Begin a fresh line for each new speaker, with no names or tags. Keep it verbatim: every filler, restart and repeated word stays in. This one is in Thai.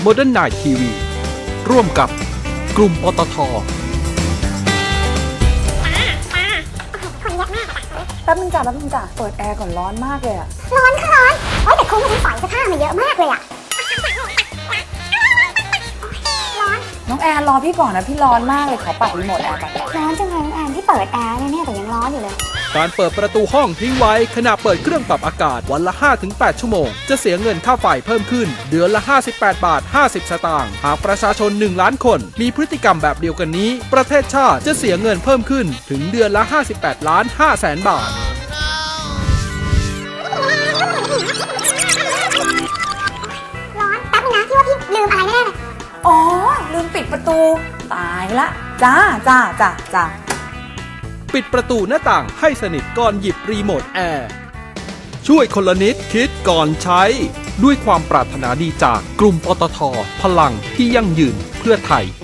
Modern Night ที วี ร่วมกับกลุ่มปตท.
แป๊บนึงจ้ะแป๊บนึงจ้ะเปิดแอร์ก่อนร้อนมากเลยอะ
ร้อนค่ะร้อนโอ้ยแต่คุ้มมันใส่เสื้อผ้ามาเยอะมากเลยอะร้อน
น้องแอนรอพี่ก่อนนะพี่ร้อนมากเลยขอปัดรีโมทแอร์ก่อน
ร้อนจังเลยน้องแอนที่เปิดแอร์เนี่ยแต่ยังร้อนอยู่เลย
การเปิดประตูห้องทิ้งไว้ขณะเปิดเครื่องปรับอากาศวันละ ห้าถึงแปด ชั่วโมงจะเสียเงินค่าไฟเพิ่มขึ้นเดือนละ ห้าสิบแปดบาทห้าสิบ สตางค์หากประชาชน หนึ่ง ล้านคนมีพฤติกรรมแบบเดียวกันนี้ประเทศชาติจะเสียเงินเพิ่มขึ้นถึงเดือนละ ห้าสิบแปดล้านห้าแสนบาท
ร้อนแป๊บนึงนะที่ว่าพี่ลืมอะไรแน่เลย
อ๋อลืมปิดประตูตายละจ้าจ้าจ้าจ้า
ปิดประตูหน้าต่างให้สนิทก่อนหยิบรีโมทแอร์ช่วยคนละนิดคิดก่อนใช้ด้วยความปรารถนาดีจากกลุ่มปตท.พลังที่ยั่งยืนเพื่อไทย